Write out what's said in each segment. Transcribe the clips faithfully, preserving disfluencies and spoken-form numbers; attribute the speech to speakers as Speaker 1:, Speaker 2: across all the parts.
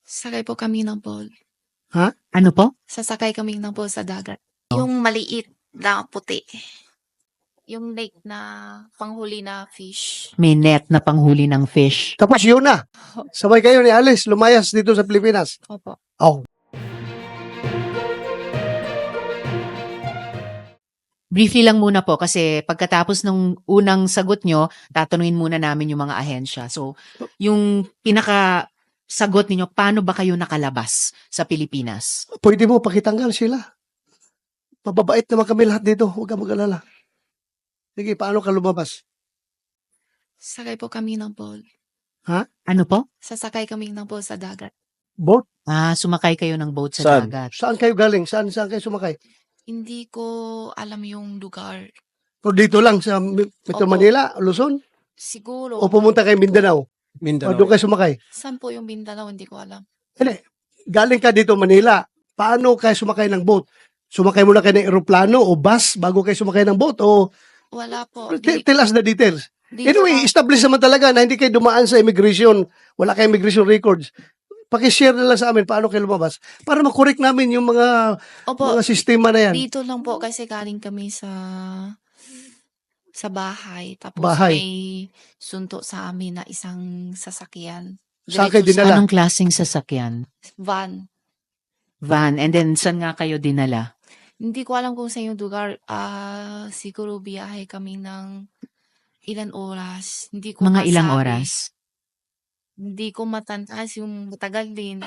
Speaker 1: Sakay po kami ng boat.
Speaker 2: Ha?
Speaker 3: Ano po?
Speaker 1: Sasakay kami ng boat sa dagat. Yung maliit na puti. Yung lake na panghuli na fish.
Speaker 3: May net na panghuli ng fish.
Speaker 2: Tapos yun na. Sabay kayo ni Alice, lumayas dito sa Pilipinas.
Speaker 1: Opo.
Speaker 2: Oh.
Speaker 3: Briefly lang muna po kasi pagkatapos ng unang sagot nyo, tatanungin muna namin yung mga ahensya. So, yung pinaka sagot ninyo, paano ba kayo nakalabas sa Pilipinas?
Speaker 2: Pwede mo pakitanggal sila. Mababait naman kami lahat dito. Huwag ka mag-alala. Sige, paano ka lumabas?
Speaker 1: Sakay po kami ng boat.
Speaker 3: Ano po?
Speaker 1: Sasakay kami ng boat sa dagat.
Speaker 2: Boat?
Speaker 3: Ah, sumakay kayo ng boat sa
Speaker 4: Saan?
Speaker 3: dagat.
Speaker 2: Saan kayo galing? Saan, saan kayo sumakay?
Speaker 1: Hindi ko alam yung lugar.
Speaker 2: O dito lang sa Metro
Speaker 1: Opo.
Speaker 2: Manila, Luzon?
Speaker 1: Siguro.
Speaker 2: O pumunta kayo Mindanao? O
Speaker 4: Mindanao.
Speaker 2: doon kayo sumakay?
Speaker 1: Saan po yung Mindanao? Hindi ko alam.
Speaker 2: Hindi. Galing ka dito Manila. Paano kayo sumakay ng boat? Sumakay muna kayo ng eroplano o bus bago kayo sumakay ng boat? O
Speaker 1: Wala po.
Speaker 2: T-
Speaker 1: Di,
Speaker 2: tell us the details.
Speaker 1: di
Speaker 2: Anyway,
Speaker 1: pa-
Speaker 2: establish naman talaga na hindi kayo dumaan sa immigration. Wala kayong immigration records. Pakishare na lang sa amin paano kayo lumabas para makorek namin yung mga
Speaker 1: Opo.
Speaker 2: mga sistema na yan.
Speaker 1: Dito lang po kasi galing kami sa sa bahay. Tapos
Speaker 2: Bahay.
Speaker 1: may sunto sa amin na isang sasakyan.
Speaker 2: Saan kayo
Speaker 1: Diretso sa
Speaker 2: dinala?
Speaker 3: Anong klaseng sasakyan?
Speaker 1: van.
Speaker 3: Van. And then, saan nga kayo dinala?
Speaker 1: Hindi ko alam kung sa yung lugar. Ah, siguro biyahe kami ng ilan oras. Hindi ko
Speaker 3: Mga ilang
Speaker 1: masabi.
Speaker 3: oras?
Speaker 1: Hindi ko matantas yung matagal din.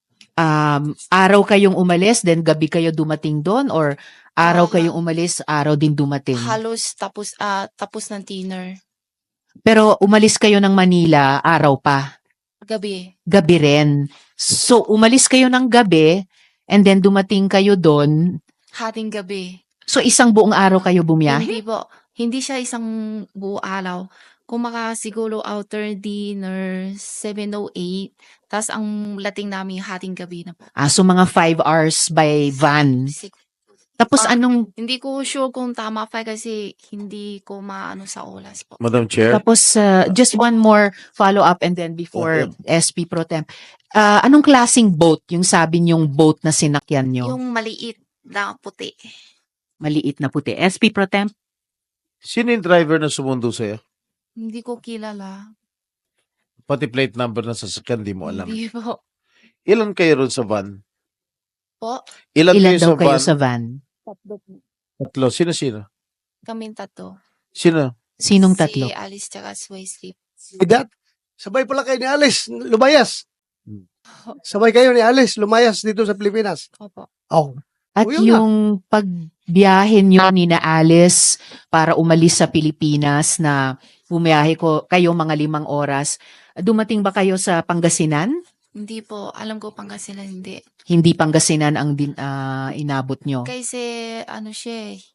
Speaker 3: Um, araw kayong umalis, then gabi kayo dumating doon? Or araw
Speaker 1: Ah,
Speaker 3: kayong umalis, araw din dumating?
Speaker 1: Halos tapos ah tapos ng dinner.
Speaker 3: Pero umalis kayo ng Manila, araw pa.
Speaker 1: Gabi.
Speaker 3: Gabi rin. So, umalis kayo ng gabi, and then dumating kayo doon.
Speaker 1: Hating gabi.
Speaker 3: So, isang buong araw kayo bumiyahe?
Speaker 1: Hindi po. Hindi siya isang buo araw. Kung maka siguro outer dinner, seven oh eight. Tapos ang lating namin hating gabi na po.
Speaker 3: Ah, so mga five hours by van.
Speaker 1: Sig-
Speaker 3: Tapos
Speaker 1: Ah.
Speaker 3: anong,
Speaker 1: Hindi ko sure kung tama pa kasi hindi ko maano sa oras po.
Speaker 4: Madam Chair.
Speaker 3: tapos uh, just one more follow-up and then before S P Pro Tem. Ah, anong klasing boat yung sabi niyong boat na sinakyan niyo?
Speaker 1: Yung maliit na puti.
Speaker 3: Maliit na puti. S P Pro Tem?
Speaker 4: Sino yung driver na sumundo sa'yo?
Speaker 1: Hindi ko kilala.
Speaker 4: Pati plate number ng sasakyan, di mo alam.
Speaker 1: Hindi po.
Speaker 4: Ilan kayo ron sa van?
Speaker 1: Po,
Speaker 4: Ilan,
Speaker 3: Ilan
Speaker 4: kayo
Speaker 3: daw
Speaker 4: sa
Speaker 3: kayo
Speaker 4: van?
Speaker 3: sa van?
Speaker 1: tatlo po.
Speaker 4: Tatlo. Sino-sino?
Speaker 1: Kaming tatlo.
Speaker 4: Sino?
Speaker 3: Sinong tatlo?
Speaker 1: Si Alice tsaka si Wesley.
Speaker 2: That, sabay pala kayo ni Alice, lumayas.
Speaker 4: Hmm.
Speaker 2: Sabay kayo ni Alice, lumayas dito sa Pilipinas.
Speaker 1: Opo.
Speaker 2: Oh.
Speaker 3: At
Speaker 2: O, yun na.
Speaker 3: yung pagbiyahe nyo ni na Alice para umalis sa Pilipinas na bumiyahe ko kayo mga limang oras, dumating ba kayo sa Pangasinan?
Speaker 1: Hindi po. Alam ko Pangasinan hindi.
Speaker 3: Hindi Pangasinan ang din, ah, inabot nyo.
Speaker 1: Kasi ano siya eh,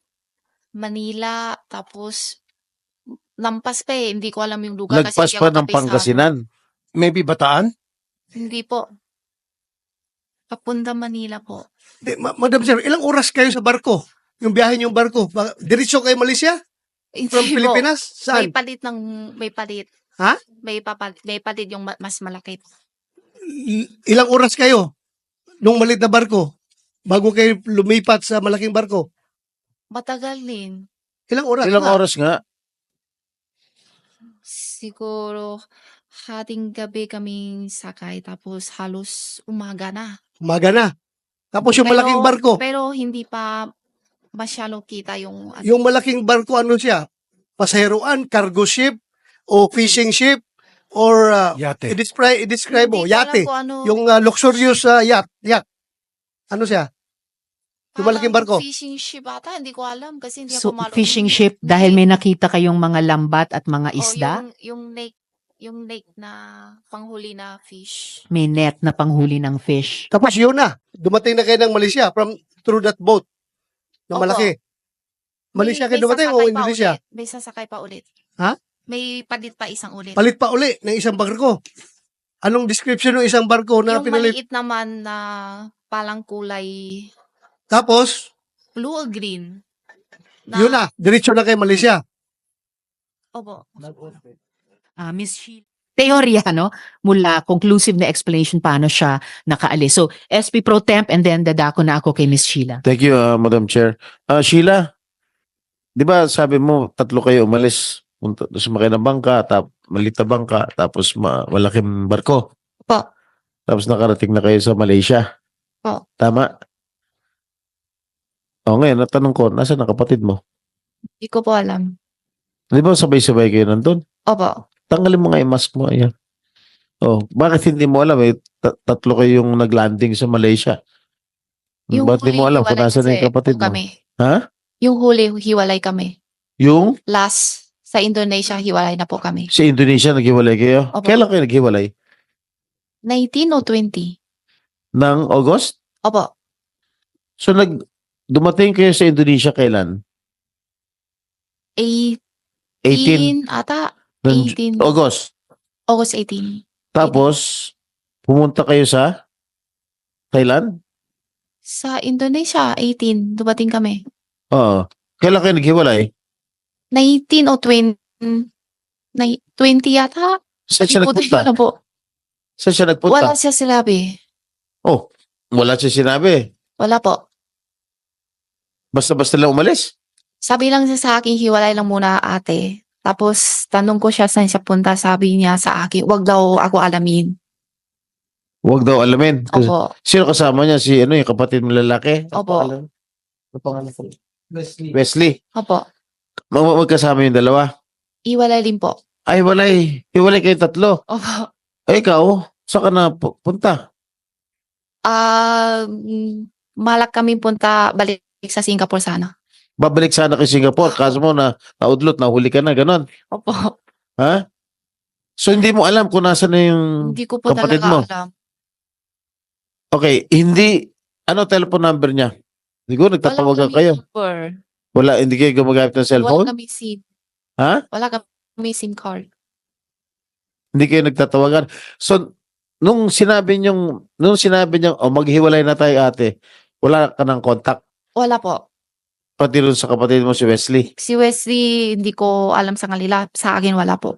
Speaker 1: Manila, tapos lampas pa eh. Hindi ko alam yung lugar.
Speaker 4: Lagpas
Speaker 1: kasi hindi
Speaker 4: pa
Speaker 1: ako
Speaker 4: ng
Speaker 1: kabisado.
Speaker 4: Pangasinan.
Speaker 5: Maybe Bataan?
Speaker 1: Hindi po. Papunta Manila po.
Speaker 2: Di, ma- Madam Sir, ilang oras kayo sa barko? Yung biyahe niyong barko? Ba- Diretso kayo Malaysia?
Speaker 1: Hindi
Speaker 2: From
Speaker 1: po.
Speaker 2: Pilipinas?
Speaker 1: May
Speaker 2: Saan?
Speaker 1: palit ng, may palit.
Speaker 2: Ha?
Speaker 1: May, papalit, may palit yung ma- mas malaki.
Speaker 2: I- Ilang oras kayo nung malit na barko? Bago kayo lumipat sa malaking barko?
Speaker 1: Matagal din.
Speaker 2: Ilang oras?
Speaker 4: Ilang
Speaker 2: na?
Speaker 4: oras nga?
Speaker 1: Siguro, hating gabi kaming sakay, tapos halos umaga na.
Speaker 2: Umaga na. Tapos yung
Speaker 1: Pero-
Speaker 2: malaking barko,
Speaker 1: Pero hindi pa masyalo kita yung... ano,
Speaker 2: yung malaking barko ano siya? Pasaheroan, cargo ship, o fishing ship, or uh,
Speaker 5: Yate.
Speaker 2: i-describe, i-describe mo,
Speaker 1: hindi ko alam
Speaker 2: yate.
Speaker 1: kung ano,
Speaker 2: Yung uh, luxurious uh, yacht, yacht. Ano siya? yung
Speaker 1: parang
Speaker 2: malaking barko.
Speaker 1: Fishing ship ata, hindi ko alam kasi hindi
Speaker 3: So,
Speaker 1: ako malo.
Speaker 3: fishing ship, dahil may nakita kayong mga lambat at mga
Speaker 1: O,
Speaker 3: isda,
Speaker 1: yung, yung lake, yung lake na panghuli na fish.
Speaker 3: may net na panghuli ng fish.
Speaker 2: Tapos yun na, dumating na kayo ng Malaysia from through that boat na
Speaker 1: Opo.
Speaker 2: malaki. Malaysia
Speaker 1: May-
Speaker 2: kayo dumating
Speaker 1: may
Speaker 2: o
Speaker 1: sasakay pa
Speaker 2: Indonesia?
Speaker 1: ulit. May sasakay pa ulit.
Speaker 2: Ha?
Speaker 1: May palit pa isang ulit.
Speaker 2: Palit pa uli ng isang barko. Anong description ng isang barko na
Speaker 1: yung
Speaker 2: pinalit?
Speaker 1: maliit naman na palang kulay
Speaker 2: Tapos,
Speaker 1: blue or green.
Speaker 2: yun na, diretso na kayo Malaysia.
Speaker 1: Opo.
Speaker 3: Ah, Miss Sheila, teorya, no? Mula conclusive na explanation paano siya nakaalis. So, S P Pro Temp and then dadako na ako kay Miss Sheila.
Speaker 4: Thank you, uh, Madam Chair. Ah, Sheila, di ba sabi mo tatlo kayo umalis, punta, sumakay ng bangka, tap, maliit na bangka, tapos ma, malaking barko.
Speaker 1: Po.
Speaker 4: Tapos nakarating na kayo sa Malaysia.
Speaker 1: Po.
Speaker 4: Tama? O ngayon, natanong ko, nasa ang kapatid mo?
Speaker 1: Hindi ko po alam.
Speaker 4: Di ba sabay-sabay kayo nandun?
Speaker 1: Opo.
Speaker 4: Tanggalin mo nga yung mask mo. Ayan. Oh, bakit hindi mo alam eh? Ta- tatlo kayong naglanding sa Malaysia.
Speaker 1: Yung
Speaker 4: Bakit hindi mo
Speaker 1: huli,
Speaker 4: alam kung
Speaker 1: hiwalay
Speaker 4: nasa na
Speaker 1: kasi
Speaker 4: yung kapatid
Speaker 1: po
Speaker 4: mo?
Speaker 1: kami.
Speaker 4: Ha?
Speaker 1: Yung huli, hiwalay kami.
Speaker 4: Yung
Speaker 1: Last, sa Indonesia, hiwalay na po kami.
Speaker 4: sa Indonesia naghiwalay kayo?
Speaker 1: Opo.
Speaker 4: Kailan kayo naghiwalay?
Speaker 1: nineteen o twenty?
Speaker 4: Ng August?
Speaker 1: Opo.
Speaker 4: So nag dumating kayo sa Indonesia kailan?
Speaker 1: eighteen
Speaker 4: eighteen
Speaker 1: ata.
Speaker 4: ng
Speaker 1: eighteen.
Speaker 4: August.
Speaker 1: August eighteen.
Speaker 4: Tapos pumunta kayo sa Thailand?
Speaker 1: Sa Indonesia, eighteen. Dumating kami.
Speaker 4: Oo. Kailan kayo naghiwalay?
Speaker 1: nineteen o twenty. Nai- twenty yata?
Speaker 4: Saan siya
Speaker 1: Hindi ko
Speaker 4: nagpunta?
Speaker 1: alam po.
Speaker 4: Saan siya nagpunta?
Speaker 1: Wala siya sinabi.
Speaker 4: Oh, wala siya sinabi.
Speaker 1: Wala po.
Speaker 4: Basta-basta lang umalis.
Speaker 1: Sabi lang siya sa akin, hiwalay lang muna ate. Tapos tanong ko siya saan siya punta. Sabi niya sa akin, wag daw ako alamin.
Speaker 4: Huwag daw alamin. Kasi-
Speaker 1: Opo.
Speaker 4: Sino kasama niya? Si ano yung kapatid mo lalaki? Ano
Speaker 1: Opo.
Speaker 4: pangalan? Ano pangalan ko? Wesley. Wesley.
Speaker 1: Opo.
Speaker 4: Mag mag- magkasama yung dalawa.
Speaker 1: Iwalay din po.
Speaker 4: Ay, walay. Hiwalay kayo tatlo.
Speaker 1: Opo.
Speaker 4: Ay, ikaw, saan ka na pu- punta?
Speaker 1: Ah, mm, malak kami punta balik sa Singapore sana.
Speaker 4: Babalik sana kay Singapore. Kaso mo na naudlot, nahuli ka na, ganon.
Speaker 1: Opo.
Speaker 4: Ha? So, hindi mo alam kung nasa na yung...
Speaker 1: Hindi ko po
Speaker 4: kapatid
Speaker 1: talaga
Speaker 4: mo?
Speaker 1: alam.
Speaker 4: Okay, hindi... Ano telephone number niya? Siguro nagtatawagan
Speaker 1: Wala
Speaker 4: kayo.
Speaker 1: kami number.
Speaker 4: Wala, hindi kayo gumagamit ng
Speaker 1: Wala
Speaker 4: cellphone?
Speaker 1: kami SIM.
Speaker 4: Ha?
Speaker 1: Wala kami SIM card.
Speaker 4: Hindi kayo nagtatawagan. So, nung sinabi niyong, nung sinabi niyang, oh, maghiwalay na tayo ate, wala ka ng contact.
Speaker 1: Wala po.
Speaker 4: Pati rin sa kapatid mo si Wesley.
Speaker 1: Si Wesley, hindi ko alam sa kanila. Sa akin, wala po.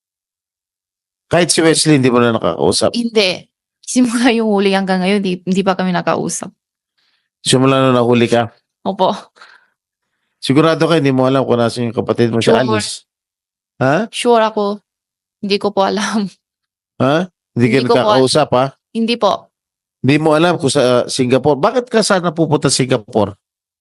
Speaker 4: Kahit si Wesley, hindi mo na nakakausap.
Speaker 1: Hindi. Simula yung huli hanggang ngayon, hindi, hindi pa kami nakausap.
Speaker 4: Simula na nahuli ka.
Speaker 1: Opo.
Speaker 4: Sigurado ka, hindi mo alam kung nasa yung kapatid mo si
Speaker 1: Sure.
Speaker 4: Alice. Ha?
Speaker 1: Sure ako. Hindi ko po alam.
Speaker 4: Ha? Hindi ka
Speaker 1: Hindi ko po-
Speaker 4: nagkakausap, ha?
Speaker 1: Hindi po.
Speaker 4: Hindi mo alam kung sa uh, Singapore. Bakit ka sana pupunta sa Singapore?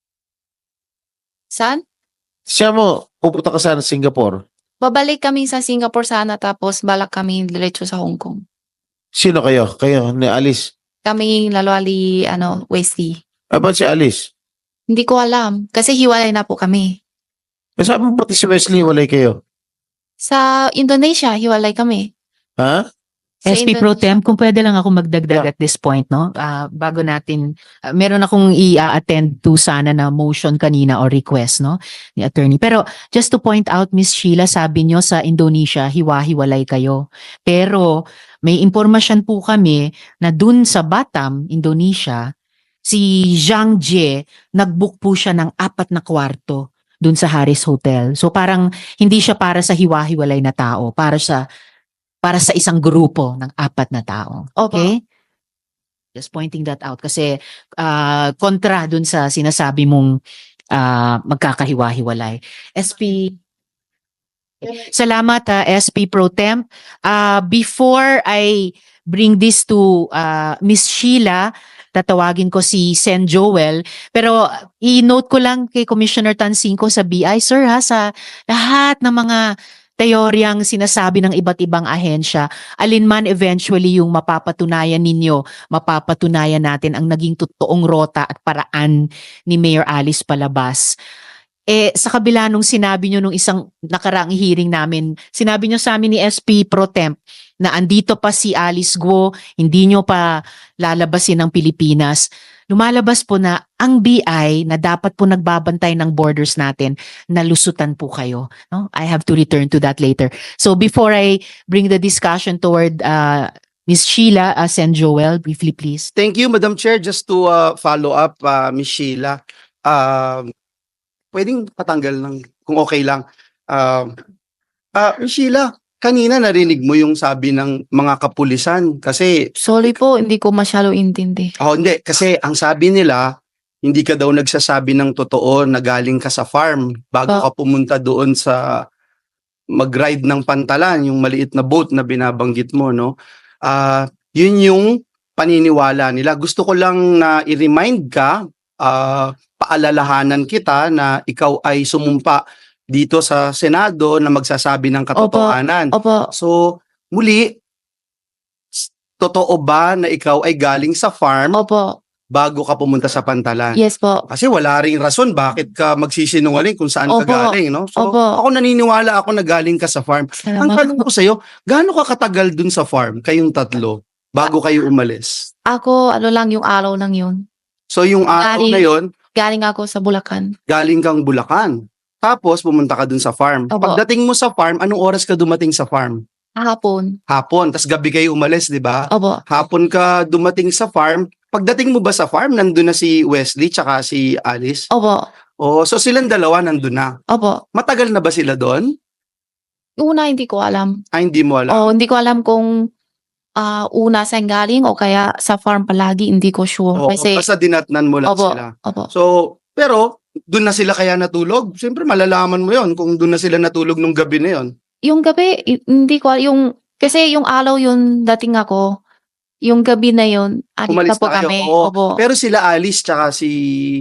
Speaker 1: Saan?
Speaker 4: Siya mo, pupunta ka sana sa Singapore.
Speaker 1: Babalik kami sa Singapore sana tapos balak kami diretso sa Hong Kong.
Speaker 4: Sino kayo? Kayo, ni Alice.
Speaker 1: Kami lalwali, ano, Wesley.
Speaker 4: Ah, ba't si Alice?
Speaker 1: Hindi ko alam. Kasi hiwalay na po kami.
Speaker 4: Eh, sabi mo pati si Wesley, walay kayo.
Speaker 1: Sa Indonesia, hiwalay kami.
Speaker 4: Ha?
Speaker 1: Sa
Speaker 3: S P Pro
Speaker 1: Indonesia.
Speaker 3: Temp, kung pwede lang ako magdagdag at this point, no? Ah, bago natin, ah, meron akong i-attend to sana na motion kanina or request, no? Ni attorney. Pero just to point out, Miss Sheila, sabi nyo sa Indonesia, hiwa-hiwalay kayo. Pero may impormasyon po kami na dun sa Batam, Indonesia, si Zhang Jie, nag-book po siya ng apat na kwarto dun sa Harris Hotel. So parang hindi siya para sa hiwa-hiwalay na tao, para sa para sa isang grupo ng apat na tao.
Speaker 1: Opo.
Speaker 3: Okay? Just pointing that out kasi ah, kontra dun sa sinasabi mong ah, magkakahiwa-hiwalay. S P Salamat ah, S P Pro Temp. Ah, before I bring this to ah, Miss Sheila, tatawagin ko si Sen Joel. Pero i-note ko lang kay Commissioner Tansinko sa B I, sir ha, sa lahat ng mga teoryang sinasabi ng iba't ibang ahensya, alinman eventually yung mapapatunayan ninyo, mapapatunayan natin ang naging totoong rota at paraan ni Mayor Alice Palabas. Eh, sa kabila nung sinabi nyo nung isang nakaraang hearing namin, sinabi nyo sa amin ni S P Pro Temp na andito pa si Alice Guo, hindi nyo pa lalabasin ng Pilipinas. Lumalabas po na ang B I na dapat po nagbabantay ng borders natin, nalusutan po kayo. No? I have to return to that later. So before I bring the discussion toward uh, Miss Sheila, uh, Sen Joel, briefly please.
Speaker 5: Thank you, Madam Chair. Just to uh, follow up, uh, Miz Sheila, um, pwedeng patanggal ng, kung okay lang. Um, uh, Miz Sheila, kanina narinig mo yung sabi ng mga kapulisan kasi
Speaker 1: Sorry po, hindi ko masyado intindi.
Speaker 5: oh hindi kasi ang sabi nila hindi ka daw nagsasabi ng totoo na galing ka sa farm bago
Speaker 1: Ba-
Speaker 5: ka pumunta doon sa mag-ride ng pantalan, yung maliit na boat na binabanggit mo, no? Ah, yun yung paniniwala nila. Gusto ko lang na i-remind ka, ah, paalalahanan kita na ikaw ay sumumpa dito sa Senado na magsasabi ng katotohanan.
Speaker 1: Opo,
Speaker 5: So, muli, s- totoo ba na ikaw ay galing sa farm
Speaker 1: opo,
Speaker 5: bago ka pumunta sa pantalan?
Speaker 1: yes po.
Speaker 5: Kasi wala ring rason bakit ka magsisinungaling kung saan ka
Speaker 1: Opo.
Speaker 5: galing, no? So,
Speaker 1: Opo.
Speaker 5: ako naniniwala ako na galing ka sa farm. Ang
Speaker 1: Salamat
Speaker 5: tanong
Speaker 1: po.
Speaker 5: ko sa'yo, gaano ka katagal dun sa farm, kayong tatlo, bago kayo umalis?
Speaker 1: Ako, ano lang yung araw lang yun.
Speaker 5: So, yung araw
Speaker 1: Galing-
Speaker 5: na yon
Speaker 1: Galing ako sa Bulacan.
Speaker 5: galing kang Bulacan. Tapos, pumunta ka dun sa farm.
Speaker 1: Opo.
Speaker 5: Pagdating mo sa farm, anong oras ka dumating sa farm?
Speaker 1: Hapon.
Speaker 5: Hapon. Tapos gabi kayo umalis, di ba?
Speaker 1: Opo.
Speaker 5: Hapon ka dumating sa farm. Pagdating mo ba sa farm, nandun na si Wesley tsaka si Alice?
Speaker 1: Opo.
Speaker 5: Oh, so silang dalawa nandun na.
Speaker 1: Opo.
Speaker 5: Matagal na ba sila doon?
Speaker 1: Una, hindi ko alam.
Speaker 5: Ay, hindi mo alam.
Speaker 1: O, hindi ko alam kung ah, una saan galing o kaya sa farm palagi, hindi ko sure.
Speaker 5: Oo,
Speaker 1: Kasi,
Speaker 5: basta dinatnan mo lang
Speaker 1: opo,
Speaker 5: sila.
Speaker 1: opo.
Speaker 5: So, pero, doon na sila kaya natulog? Siyempre, malalaman mo yon kung doon na sila natulog nung gabi na yon.
Speaker 1: Yung gabi, i- hindi ko, al- yung, kasi yung araw yun dating ako, yung gabi na yun, adik
Speaker 5: Umalis
Speaker 1: na po
Speaker 5: na kayo,
Speaker 1: kami.
Speaker 5: oo.
Speaker 1: Opo.
Speaker 5: Pero sila Alice tsaka si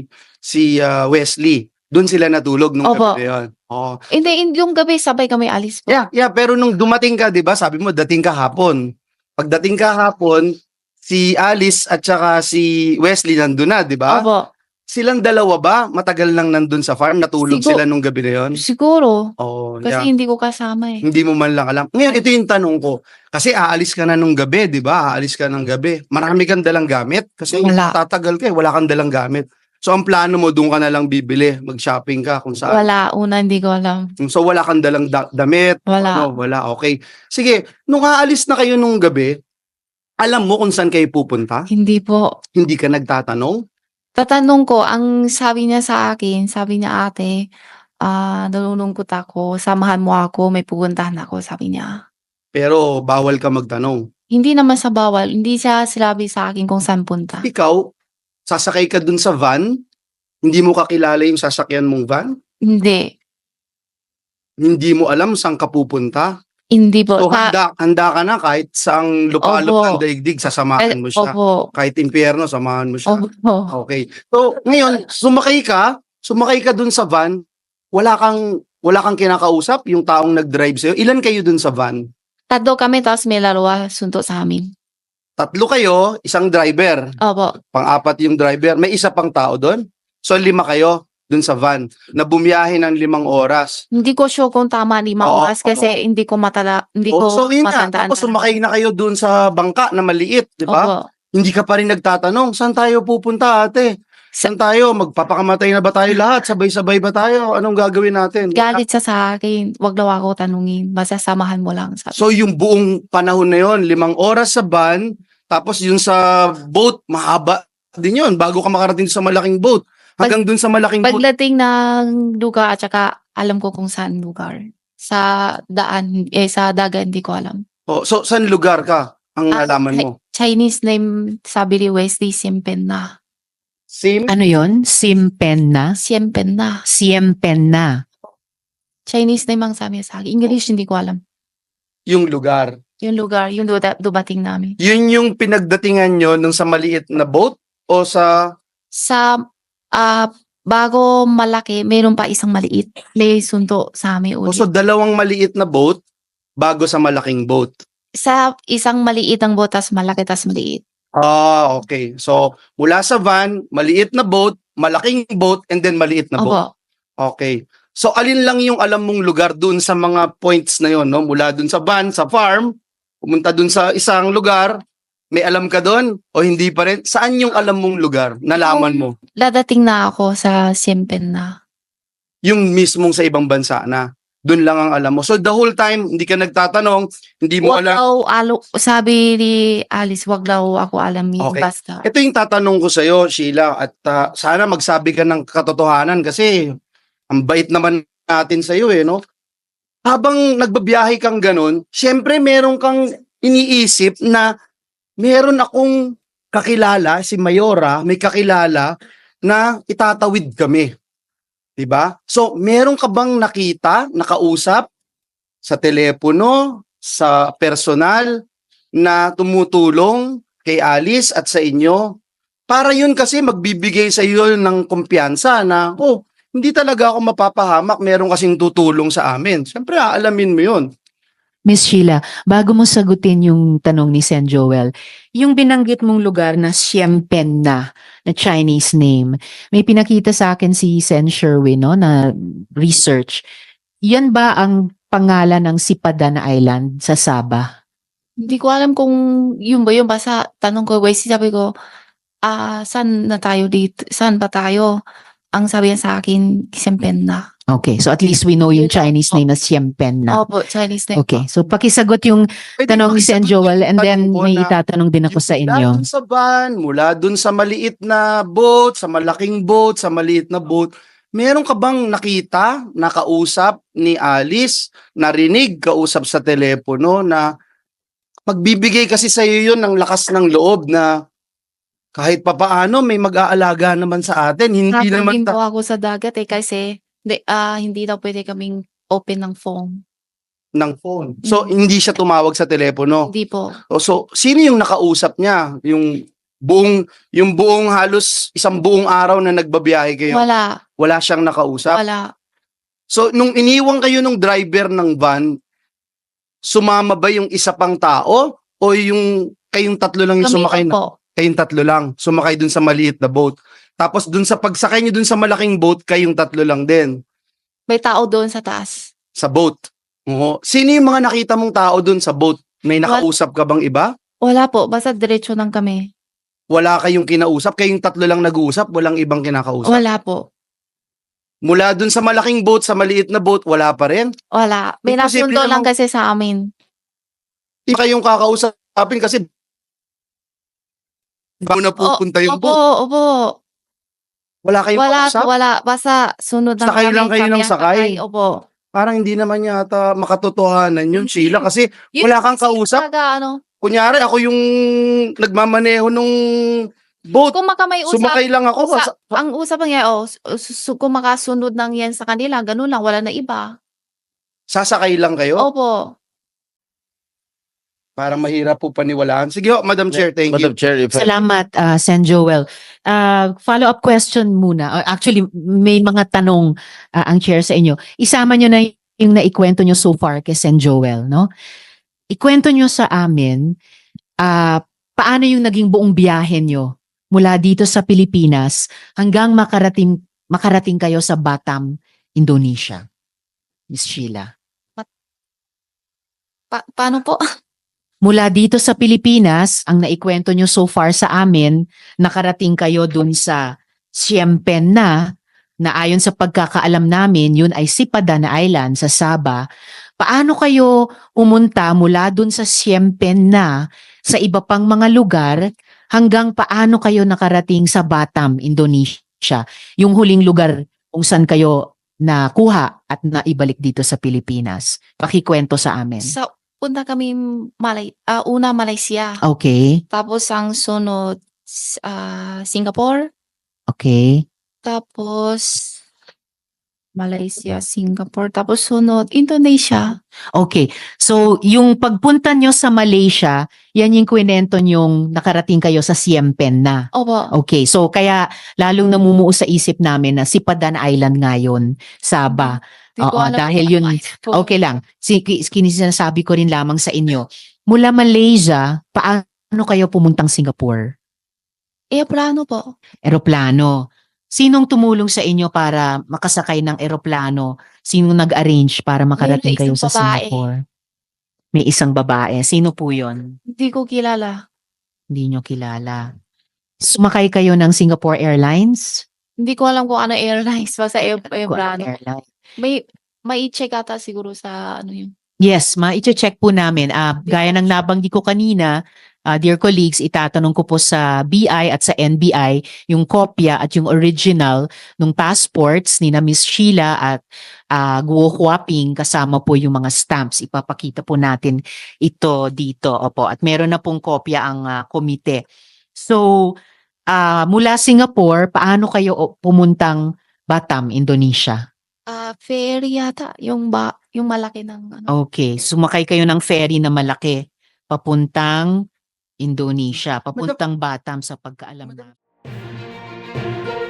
Speaker 5: si ah, Wesley, doon sila natulog nung
Speaker 1: Opo.
Speaker 5: gabi na yon. Oo.
Speaker 1: Hindi, in- yung gabi, sabay kami alis po.
Speaker 5: Yeah, yeah, pero nung dumating ka, 'di ba? Sabi mo dating ka hapon. Pagdating ka hapon, si Alice at saka si Wesley nandun na, 'di ba?
Speaker 1: Opo.
Speaker 5: Silang dalawa ba matagal lang nandun sa farm? Natulog
Speaker 1: Sigur-
Speaker 5: sila nung gabi na 'yon?
Speaker 1: Siguro.
Speaker 5: Oh,
Speaker 1: Kasi
Speaker 5: yeah.
Speaker 1: hindi ko kasama eh.
Speaker 5: Hindi mo man lang alam. Ngayon, ito yung tanong ko. Kasi aalis ka na nung gabi, 'di ba? Aalis ka ng gabi. Marami kang dalang gamit kasi
Speaker 1: Wala.
Speaker 5: tatagal ka, eh, wala kang dalang gamit. So ang plano mo doon ka na lang bibili, mag-shopping ka kung saan.
Speaker 1: Wala. Una, hindi ko alam.
Speaker 5: So wala kang dalang da- damit.
Speaker 1: Wala.
Speaker 5: No, wala. Okay. Sige, nung aalis na kayo nung gabi, alam mo kung saan kayo pupunta?
Speaker 1: Hindi po.
Speaker 5: Hindi ka nagtatanong?
Speaker 1: Tatanong ko, ang sabi niya sa akin, sabi niya ate, ah, nalulungkot ako, samahan mo ako, may pupuntahan ako, sabi niya.
Speaker 5: Pero bawal ka magtanong.
Speaker 1: Hindi naman sa bawal, hindi siya sinabi sa akin kung saan punta.
Speaker 5: Ikaw, sasakay ka dun sa van, hindi mo kakilala yung sasakyan mong van,
Speaker 1: Hindi.
Speaker 5: hindi mo alam saan ka pupunta.
Speaker 1: Hindi po.
Speaker 5: So
Speaker 1: Sa-
Speaker 5: handa, handa ka na kahit saang lupalop
Speaker 1: Opo.
Speaker 5: ng daigdig, sasamahan mo siya.
Speaker 1: Opo.
Speaker 5: Kahit impyerno, samahan mo siya.
Speaker 1: Opo.
Speaker 5: Okay. So, ngayon, sumakay ka, sumakay ka dun sa van, wala kang wala kang kinakausap, yung taong nag-drive sa'yo. Ilan kayo dun sa van?
Speaker 1: Tatlo kami, tapos may larawa sunto sa amin.
Speaker 5: Tatlo kayo, isang driver.
Speaker 1: Opo.
Speaker 5: Pang-apat yung driver. May isa pang tao doon. So, lima kayo dun sa van na bumiyahe ng limang oras.
Speaker 1: Hindi ko sure kung tama lima
Speaker 5: Oo,
Speaker 1: oras kasi hindi ko matala, hindi
Speaker 5: O,
Speaker 1: ko
Speaker 5: so, yun nga.
Speaker 1: matandaan.
Speaker 5: Tapos sumakay na kayo dun sa bangka na maliit, di ba?
Speaker 1: Opo.
Speaker 5: Hindi ka pa rin nagtatanong, saan tayo pupunta, ate? Saan tayo? Magpapakamatay na ba tayo lahat? Sabay-sabay ba tayo? Anong gagawin natin?
Speaker 1: Galit siya sa akin, wag daw ako tanungin, basta samahan mo lang. Sabi.
Speaker 5: So yung buong panahon na yon, limang oras sa van, tapos yung sa boat, mahaba din yun, bago ka makarating sa malaking boat. Hanggang dun sa malaking boat.
Speaker 1: Pagdating ng lugar at saka alam ko kung saan lugar. Sa daan, eh sa dagat hindi ko alam.
Speaker 5: Oh, so saan lugar ka? Ang
Speaker 1: Ah,
Speaker 5: nalaman mo?
Speaker 1: Chinese name, sabi ni Wesley, Siempen na.
Speaker 5: Sim?
Speaker 3: Ano yon? Simpen na?
Speaker 1: Siempen na.
Speaker 3: Siempen na.
Speaker 1: Chinese name ang sabi niya sa akin. English hindi ko alam.
Speaker 5: Yung lugar.
Speaker 1: Yung lugar, yung duda- dumating namin.
Speaker 5: Yun yung pinagdatingan nyo nung sa maliit na boat? O sa...
Speaker 1: Sa ah bago malaki, mayroon pa isang maliit. May sunto sa amin
Speaker 5: O
Speaker 1: ulit.
Speaker 5: so dalawang maliit na boat bago sa malaking boat?
Speaker 1: Sa isang maliit ang botas, malaki tas maliit.
Speaker 5: Ah, okay. So, mula sa van, maliit na boat, malaking boat, and then maliit na boat.
Speaker 1: Opo.
Speaker 5: Okay. So, alin lang yung alam mong lugar dun sa mga points na yon, no? Mula dun sa van, sa farm, pumunta dun sa isang lugar, may alam ka dun o hindi pa rin? Saan yung alam mong lugar? Nalaman mo?
Speaker 1: Dadating na ako sa Siempen na.
Speaker 5: Yung mismong sa ibang bansa na. Dun lang ang alam mo. So, the whole time, hindi ka nagtatanong, hindi mo
Speaker 1: Wag
Speaker 5: alam.
Speaker 1: daw, alo, sabi ni Alice, wag daw ako alamin.
Speaker 5: Okay.
Speaker 1: Basta.
Speaker 5: Ito yung tatanong ko sa'yo, Sheila, at ah, sana magsabi ka ng katotohanan kasi ang bait naman natin sa'yo eh, no? habang nagbabiyahe kang ganun, syempre meron kang iniisip na meron akong kakilala, si Mayora, may kakilala na itatawid kami. 'Di ba? So, meron ka bang nakita, nakausap sa telepono, sa personal na tumutulong kay Alice at sa inyo? Para yun kasi magbibigay sa iyo ng kumpiyansa na, oh, hindi talaga ako mapapahamak, meron kasing tutulong sa amin. Siyempre, aalamin mo yun.
Speaker 3: Miss Sheila, bago mo sagutin yung tanong ni Sen Joel, yung binanggit mong lugar na Xiempen na, na Chinese name, may pinakita sa akin si Sen Sherwin, no, na research. Yan ba ang pangalan ng Sipadan Island sa Sabah?
Speaker 1: Hindi ko alam kung yun ba yun. Basta tanong ko, Wes, sabi ko, ah, saan na tayo dito? Saan ba tayo? Ang sabi niya sa akin, Xiempen na.
Speaker 3: Okay, so at least we know yung
Speaker 1: Yun lang
Speaker 3: Chinese
Speaker 1: po.
Speaker 3: name na Xiempen na.
Speaker 1: Opo, Chinese name.
Speaker 3: Okay, so pakisagot yung
Speaker 5: Pwede
Speaker 3: tanong ni Sen
Speaker 5: pakisagot
Speaker 3: Joel
Speaker 5: yung
Speaker 3: and then
Speaker 5: tanong ko
Speaker 3: may
Speaker 5: na
Speaker 3: itatanong din ako sa
Speaker 5: mula
Speaker 3: inyo.
Speaker 5: dun sa van, mula dun sa maliit na boat, sa malaking boat, sa maliit na boat, meron ka bang nakita, nakausap ni Alice, narinig, kausap sa telepono na magbibigay kasi sa iyo yun ng lakas ng loob na kahit papaano may mag-aalaga naman sa atin. Hindi naman
Speaker 1: Natanggin po
Speaker 5: ta-
Speaker 1: ako sa dagat eh kasi hindi, ah, hindi daw pwede kaming open ng phone.
Speaker 5: ng phone. So,
Speaker 1: Mm.
Speaker 5: hindi siya tumawag sa telepono.
Speaker 1: Hindi po.
Speaker 5: O, So, sino yung nakausap niya? Yung buong, yung buong halos isang buong araw na nagbabiyahe kayo?
Speaker 1: Wala.
Speaker 5: Wala siyang nakausap?
Speaker 1: Wala.
Speaker 5: So, nung iniwan kayo nung driver ng van, sumama ba yung isa pang tao? O yung kayong tatlo lang yung
Speaker 1: Kami
Speaker 5: sumakay
Speaker 1: lang
Speaker 5: na?
Speaker 1: po.
Speaker 5: Kayong tatlo lang, sumakay dun sa maliit na boat. Tapos dun sa pagsakay nyo dun sa malaking boat, kayong tatlo lang din
Speaker 1: May tao doon sa taas.
Speaker 5: sa boat. Oo. Sino yung mga nakita mong tao dun sa boat? May nakausap ka bang iba?
Speaker 1: Wala po. Basta diretso lang kami.
Speaker 5: Wala kayong kinausap? Kayong tatlo lang nag-uusap? Walang ibang kinakausap?
Speaker 1: Wala po.
Speaker 5: Mula dun sa malaking boat, sa maliit na boat, wala pa rin?
Speaker 1: Wala. May
Speaker 5: Imposible
Speaker 1: nasundo lang
Speaker 5: namang-
Speaker 1: kasi sa amin.
Speaker 5: Hindi kayong kakausapin kasi bago na pupunta yung
Speaker 1: Opo,
Speaker 5: boat.
Speaker 1: opo.
Speaker 5: Wala kayong
Speaker 1: Wala,
Speaker 5: kausap?
Speaker 1: wala. Basta sunod lang
Speaker 5: Sakay
Speaker 1: kami.
Speaker 5: lang kayo
Speaker 1: kami
Speaker 5: ng
Speaker 1: ang
Speaker 5: sakay?
Speaker 1: Opo.
Speaker 5: Parang hindi naman yata makatotohanan yun,
Speaker 1: Hindi.
Speaker 5: Sheila. Kasi
Speaker 1: Yun
Speaker 5: wala kang
Speaker 1: kasi
Speaker 5: kausap.
Speaker 1: talaga, ano,
Speaker 5: Kunyari, ako yung nagmamaneho nung boat.
Speaker 1: kung maka may usap,
Speaker 5: Sumakay lang ako.
Speaker 1: usa-
Speaker 5: Sa-
Speaker 1: ang usap niya, oh, su- su- kung makasunod lang yan sa kanila, ganun lang, wala na iba.
Speaker 5: Sasakay lang kayo?
Speaker 1: Opo.
Speaker 5: Parang mahirap po paniwalaan. Sige ho, Madam Chair, thank
Speaker 4: Madam
Speaker 5: you.
Speaker 4: Chair, if I-
Speaker 3: Salamat, uh, Sen Joel. Uh, follow-up question muna. Uh, actually, may mga tanong uh, ang chair sa inyo. Isama nyo na yung naikwento nyo so far kay Sen Joel, no? Ikwento nyo sa amin, uh, paano yung naging buong biyahe nyo mula dito sa Pilipinas hanggang makarating makarating kayo sa Batam, Indonesia. Miss Sheila.
Speaker 1: Pa- paano po?
Speaker 3: Mula dito sa Pilipinas, ang naikwento nyo so far sa amin, nakarating kayo dun sa Xiempen na, na ayon sa pagkakaalam namin, yun ay Sipadan Island sa Sabah. Paano kayo umunta mula dun sa Xiempen na sa iba pang mga lugar hanggang paano kayo nakarating sa Batam, Indonesia? Yung huling lugar kung saan kayo nakuha at naibalik dito sa Pilipinas. Pakikwento sa amin.
Speaker 1: Sa punta kami Malay, ah, una Malaysia.
Speaker 3: Okay,
Speaker 1: Tapos ang sunod ah, Singapore.
Speaker 3: okay.
Speaker 1: Tapos Malaysia, Singapore. Tapos sunod Indonesia.
Speaker 3: Okay. So, yung pagpunta nyo sa Malaysia, yan yung kwento nyong nakarating kayo sa Xiempen na.
Speaker 1: Opo.
Speaker 3: Okay. So, kaya lalong namumuo sa isip namin na Sipadan Island ngayon, Sabah.
Speaker 1: Di ko
Speaker 3: Oo,
Speaker 1: alam
Speaker 3: dahil
Speaker 1: kung
Speaker 3: yun,
Speaker 1: ano po.
Speaker 3: okay lang. Si, sinasabi ko rin lamang sa inyo. Mula Malaysia, paano kayo pumuntang Singapore?
Speaker 1: Eh, plano po.
Speaker 3: Eroplano. Sinong tumulong sa inyo para makasakay ng eroplano? Sinong nag-arrange para makarating
Speaker 1: May
Speaker 3: kayo
Speaker 1: isang
Speaker 3: sa
Speaker 1: babae.
Speaker 3: Singapore? May isang babae. Sino po yon?
Speaker 1: Hindi ko kilala.
Speaker 3: Hindi nyo kilala. Sumakay kayo ng Singapore Airlines?
Speaker 1: Hindi ko alam kung ano airlines. Basta air, air
Speaker 3: Kung anong
Speaker 1: plano.
Speaker 3: airline?
Speaker 1: May, may check ata siguro sa ano yun.
Speaker 3: Yes, ma-check po namin. Ah,
Speaker 1: Hindi
Speaker 3: gaya
Speaker 1: ko
Speaker 3: ng
Speaker 1: sure.
Speaker 3: nabanggit ko kanina, uh, dear colleagues, itatanong ko po sa B I at sa N B I yung kopya at yung original ng passports ni na Miss Sheila at uh, Guo Huaping kasama po yung mga stamps. Ipapakita po natin ito dito. Opo. At meron na pong kopya ang uh, komite. So, uh, mula Singapore, paano kayo o- pumuntang Batam, Indonesia?
Speaker 1: Ah, ferry yata, yung ba yung malaki ng ano.
Speaker 3: Okay, sumakay kayo ng ferry na malaki papuntang Indonesia, papuntang Batam sa pagkaalam na.